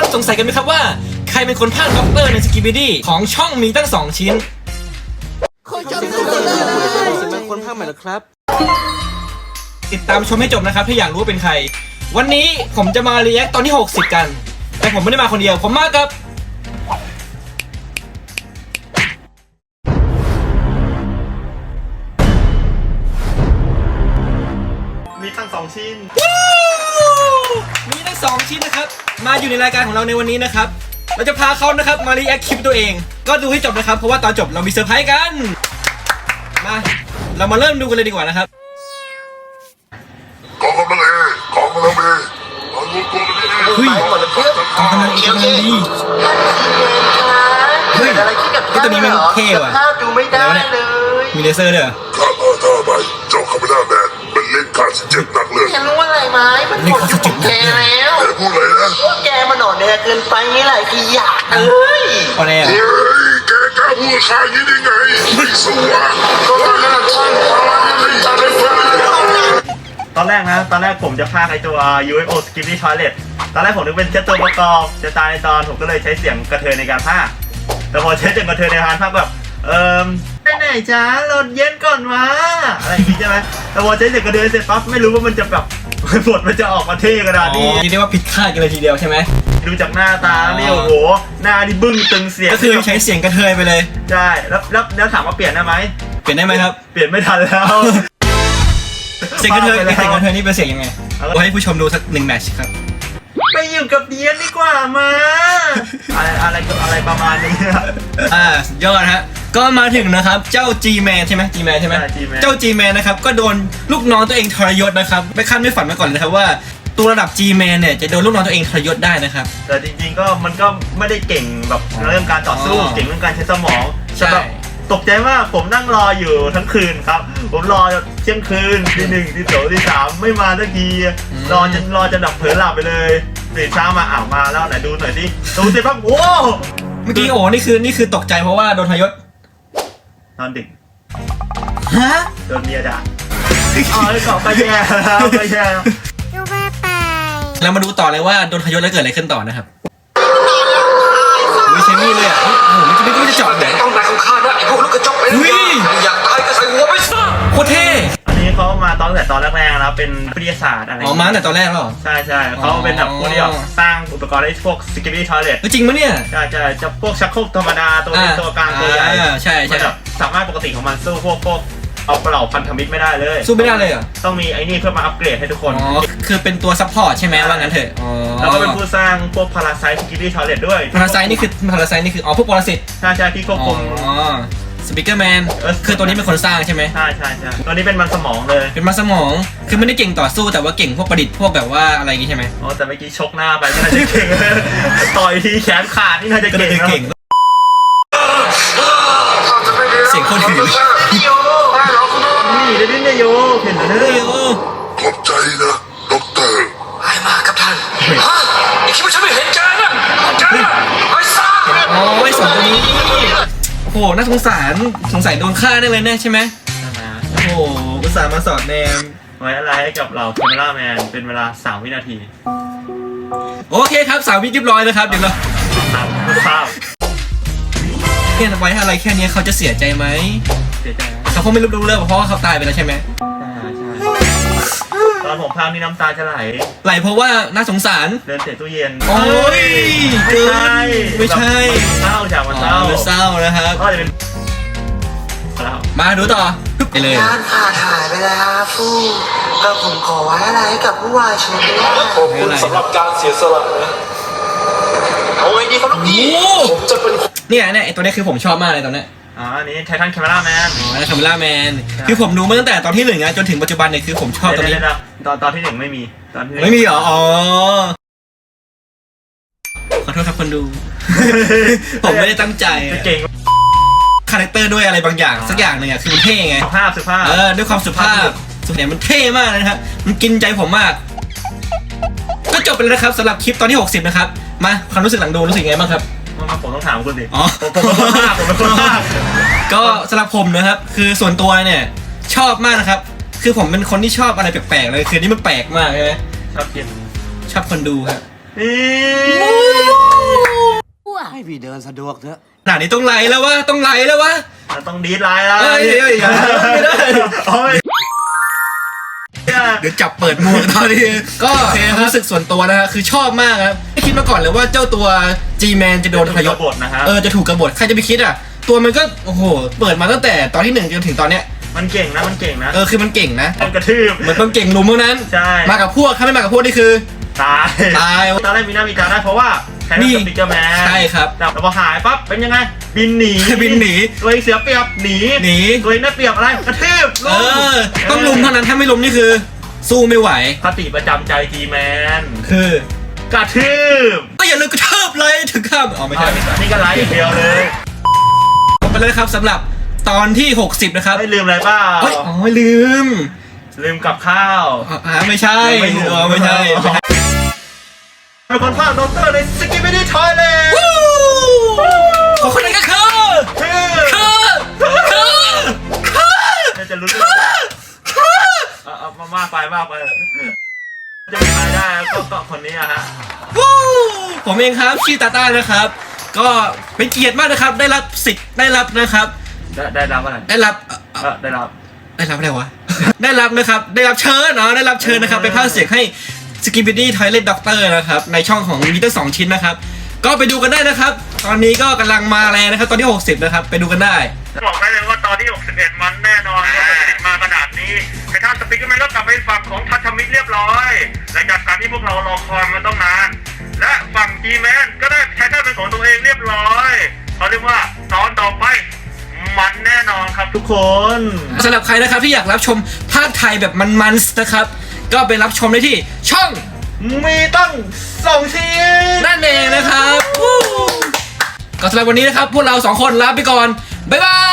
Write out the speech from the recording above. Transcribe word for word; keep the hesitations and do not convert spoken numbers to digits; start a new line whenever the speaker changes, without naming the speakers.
สงสัยกันไหมครับว่าใครเป็นคนพากย์ด็อกเตอร์ในสกิปปิดี้ของช่องมีตั้งสองชิ้น
คนจำไม่ได้เลยคนพากย์ใหม่หรอครับ
ติดตามชมให้จบนะครับถ้าอยากรู้ว่าเป็นใครวันนี้ผมจะมารีแอคตอนที่หกสิบกันแต่ผมไม่ได้มาคนเดียวผมมากับ
มีทั้งสองชิ้น
มีทั้งสองชิ้นนะครับมาอยู่ในรายการของเราในวันนี้นะครับเราจะพาเขานะครับมารีแอคคลิปตัวเองก็ดูให้จบนะครับเพราะว่าตอนจบเรามีเซอร์ไพรส์กันมาเรามาเริ่มดูกันเลยดีกว่านะครับ
กองกำลังเอของกำลังเอเอารวมตัวกันที่เอ
เฮ้ยกองกำลังเอกกำลังดีเฮ้ยไอ้ตัวนี้มันเท่ว่ะดูไม่ได้เลยมีเลเซอร์ด้วย
ข้ามาท่าไปเจ้าคาเมล่าแมนเป็นเล่นการเจ็บหนักเลย
แกรู้อะไรไหมมันหมดยุคของแกแล้ว
แกพูดอะไรนะ
แกมันหนอนแดงเกินไปนี่หลายทีอยากเอ้ย
พอแล้ว
เฮ้ยแกกล้าพูดข้าอย่างนี้ได้ไงไม่สู้อ่ะก็ไม่น่าช่างอะไรจะได้ฟัง
ตอนแรกนะตอนแรกผมจะพากย์ไอตัว ยู เอฟ โอ Skippy Toilet ตอนแรกผมนึกเป็นแค่ตัวประกอบจะตายในตอนผมก็เลยใช้เสียงกระเทยในการพากย์แต่พอใช้เสียงกระเทยในการพากย์แบบเอิมไปไหนจ้าหลดเย็นก่อนวะอะไรอย่างงี้ใช่ไหมแต่พอใช้เสียงกระเทยเสร็จปั๊บไม่รู้ว่ามันจะแบบบทมันจะออกมาเท่ขนาดนี้
เรียกว่าผิดคาดกันเลยทีเดียวใช่ไหม
ดูจากหน้าตานี่โอ้โหหน้าดิบึ้งตึงเสียง
ก็คือใช้เสียงกระเทยไปเลย
ใช่แล้วแล้วแล้วถามว่าเปลี่ยนได้ไหม
เปลี่ยนได้ไหมครับ
เปลี่ยนไม่ทันแล้ว
เสียงกระเทยเสียงกระเทยนี่เป็นเสียงยังไงเราให้ผู้ชมดูสักหนึ่งแมตช์ครับ
ไปอยู่กับเดียนดีกว่ามาอะไรอะไรอะไรประมาณนี้
อ่ายอดฮะก็มาถึงนะครับเจ้า G-Man ใช่ไหม G-Man ใช่ไหมเจ้า G-Man นะครับก็โดนลูกน้องตัวเองทรยศนะครับไม่คาดไม่ฝันมาก่อนเลยครับว่าตัวระดับ G-Man เนี่ยจะโดนลูกน้องตัวเองทรยศได้นะครับ
แต่จริงๆก็มันก็ไม่ได้เก่งแบบเรื่องการต่อสู้เก่งเรื่องการใช้สมอง
ใช่
ตกใจมากผมนั่งรออยู่ทั้งคืนครับผมรอเที่ยงคืนที่หนึ่งที่สองที่สามไม่มาสักทีรอจนรอจนดับเผลอหลับไปเลยตื่นเช้ามาอ้าวมาแล้วไหนดูหน่อยสิดูสิปั๊บโอ้
เมื่อกี้โอ้นี่คือนี่คือตกใจเพราะว่าโดนทรยศ
นอนดึก
ฮะ
โดนเมียด่าอ๋อไอ้เกาะไปแย่แล้วไปแย่
แล้วมาดูต่อเลยว่าโดนทรยศแล้วเกิดอะไรขึ้นต่อนะครับไม่ใช่มีดเลยอ่ะโอ้โหมันจะไม่รู้จะเจาะไหน
ต้องนายของข้านะไอ้พวกลูกกระจอกไปอยากตายก็ใส่หัวไปซะ
โคตรเท่
อันนี้เขามาตอนแต่ตอนแรกๆแล้วเป็นวิทยาศาสตร์อะไร
อ๋อมาแต่ตอนแรกหรอ
ใช่ใช่เขาเป็นแบบพวกที่แบบสร้างอุปกรณ์ให้พวก Skippy Toilet
จริงมั้ยเนี่ย
ใช่ใช่จะพวกชักโครกธรรมดาตัวนี้ตัวกลางตัวใหญ่
ใช่ใช่
สามารถปกติของมันสู้พวกพวกเอาเปล่าพันธมิตรไม่ได้เลย
สู้ไม่ได้เลยเหรอ
ต้องมีไอ้นี่เพื่อมาอัปเกรดให้ทุกคน
อ๋อคือเป็นตัวซัพพอร์ตใช่ไหมว่างั้นเถอะอ๋อ
แล้วก็เป็นผู้สร้างพวกพาราไซต์ Skippy Toilet ด้วย
พาราไซต์นี่คือพาราไซต์นี่คืออ๋อพวกปรสิต
ใช่ใช่ที่ควบคุม
อ๋อสปีกเกอร์แมนคือตัวนี้เป็นคนสร้างใช่ไหม
ใช่ใช่ใช่ตัวนี้เป็นมันสมองเลย
เป็นมันสมองคือไม่ได้เก่งต่อสู้แต่ว่าเก่งพวกประดิษฐ์พวกแบบว่าอะไรอย่างงี้ใช่ไหม
อ๋อแต่เมื่อกี้ชกหน้าไปน่าจะเก่งต่อยทีแขนขาดนี่น่าจะเก่ง
เสียงโคตรถึง
นี่ได้ดินเนโยเห็นไหม
เนี่ย
ขอบใจนะด็อกเตอร์
ไปมากับท่านฮะไอ้คิดว่าฉันไม่เห็นแกนะแกไอ้ซ่า
อ๋อไอ้สองตัวนี้โอ้โหน่าสงสารสงสัยโดนฆ่าได้เลยแน่ใช่ไหมโอ้โหอุตส่าห์มาสอดแนม
ไว้อะไรให้กับเราคาเมล่าแมนเป็นเวลาสามวินาที
โอเคครับสามวิเรียบร้อยแล้วครับเดี๋ยวเรา
ตามภาพ
เนี่ยไว้อะไรแค่นี้เขาจะเสียใจไหม
เสียใจ
เขาคงไม่รู้เรื่องเพราะว่าเขาตายไปแล้วใช่ไหม
ใช่ตอนผมพากนี่น้ำตาจะไหล
ไหลเพราะว่าน่าสงสาร
เดินเสียตู้เย็น
โอ้ย
ไม่ใช่
ไม่ใช่
เศร้าจากมันเศร้า
เศร้านะครับ
ก็จะเป็น
มาดูต่อไปเลย
งานผ่าถ่ายไปแล้วฟูก็ผมขอไว้อะไรกับผู้วายชนด้วย
ขอบคุณสำหรับการเสียสละนะ
เอาไว้ดีครับลูกพี่
ผมจะเป็น
เนี่ยเนี่ยไอตัวนี้คือผมชอบมากเลยตอนนี้
อ๋ออันนี้ไททันคาเมล่าแมน
อ๋อคาเมล่าแมนคือผมดูมาตั้งแต่ตอนที่หนึ่งนะจนถึงปัจจุบันเนี่ยคือผมชอบตัวนี้
ตอนตอนที่หนึ่งไม่มีตอน
ไม่มีเหรออ๋อขอโทษครับคนดูผมไม่ได้ตั้งใจ
เก่ง
คาแรคเตอร์ด้วยอะไรบางอย่างสักอย่างหนึ่งอะคือมันเท่ไง
สุภาพสุภาพ
เออด้วยความสุภาพสุดเนี่ยมันเท่มากนะครับมันกินใจผมมากก็จบไปแล้วนะครับสำหรับคลิปตอนที่หกสิบนะครับมาความรู้สึกหลังดูรู้สึกไงบ้างครับ
ผมต้องถามคุณดิ
อ๋อ
ผมเป็นคนภาคผมเป็นคนภาค
ก็สำหรับผมนะครับคือส่วนตัวเนี่ยชอบมากนะครับคือผมเป็นคนที่ชอบอะไรแปลกๆเลยคือนี่มันแปลกมากใช่ไหม
ชอบกิน
ชอบคนดูครับ
นี่
พี่เดินสะดวกเถอะ
ขนาดนี้ต้องไหลแล้ววะต้องไหลแล้ววะ
เราต้องดีดไลน์แล้ว
เอ้ยเอ้ยอย่าไม่ได้
โอ้ย
เดี๋ยวจับเปิดหมวกตอนนี้ก็ความรู้สึกส่วนตัวนะฮะคือชอบมากครับไม่คิดมาก่อนเลยว่าเจ้าตัว G-Man จะโดนทรยศ
บทนะฮะ
เออจะถูกกบฏใครจะไปคิดอ่ะตัวมันก็โอ้โหเปิดมาตั้งแต่ตอนที่หนึ่งจนถึงตอนเนี้ย
มันเก่งนะมันเก่งนะ
เออคือมันเก่งนะ
มันกระทืบ
มันต้องเก่งลุมเท่านั้น
ใช่
มากับพวกถ้าไม่มากับพวกนี่คือ
ตาย
ตาย
ตอนแรกมีหน้ามีตาได้เพราะว่าใช้
นี่
สปิกเกอร์แมน
ใช่ครับ
แต่พอหายปั๊บเป็นยังไง บินหนี
บินหนี
ตัวเองเสียเปรียบหนี
หนี
ตัวเองได้เปรียบอะไรกระทืบ
เออต้องลุมเท่านั้นถ้าไม่ลุมนี่คือ สู้ไม่ไหว
คติประจำใจจีแมน
คือ
กระทืบ
ก็อย่าลืมกระเทิบเลยถึงข้ามอ๋อไม่ใช่ไม่ใช่
นี่ก็ไลฟ์อย่างเดียวเลย
จบไปเลยครับสำหรับตอนที่หกสิบนะครับ
ไม่ลืมอะไรเปล่า
เอ้ยอ๋อลืม
ลืมกับข้าว
อ๋ออ่าไม่ใช่
ไม่ถูก
เออไม่ใช่ไม่ใช่
เป็นคนภาคดอกเตอร์ในสกิปปี้ดีทอยแลนด์
วู้ขอคนนั้นก็คือ
คือ
คือคือคือ
น่าจะรู้เรื่องเอาเอามามากไปมากไปจะมีรายได้ก็ก็คนนี้อะฮะ
วู้ผมเองครับชื่อตาต้านะครับ ก็เป็นเกียรติมากนะครับ ได้รับสิทธิ์ได้รับนะครับ
ได้ได้รับอะไร
ได้รับเอ่อ
เออได้รับ
ได้รับอะไรวะ ได้รับนะครับ ได้รับเชิญเนาะได้รับเชิญนะครับไปพากย์เสียงให้ Skibidi Toilet Doctor นะครับในช่องของมีตั้งสองชิ้นนะครับ ก็ไปดูกันได้นะครับ ตอนนี้ก็กำลังมาแรงนะครับ ตอนที่หกสิบนะครับไปดูกันได้
บอกได้เลยว่าตอนที่หกสิบเอ็ดมันแน่นอนว่าติดมาขนาดนี้แต่ถ้าสปิกเกอร์แมนก็กลับไปฝั่งของทัชมิตรเรียบร้อยหลังจากการที่พวกเรารอคอยมาต้องนาน และฝั่งจีแมนก็ได้ใช้ท่าเป็นของตัวเองเรียบร้อยเขาเรียกว่าตอนต่อไปมันแน่นอนครับทุกคน
สำหรับใครนะครับที่อยากรับชมภาคไทยแบบมันๆนะครับ ก็ไปรับชมได้ที่ช่อง
มีตั้งสองชิ้น
นั่นเองนะครับวู้ก็สำหรับวันนี้นะครับ พวกเราสองคนลาไปก่อน บ๊ายบาย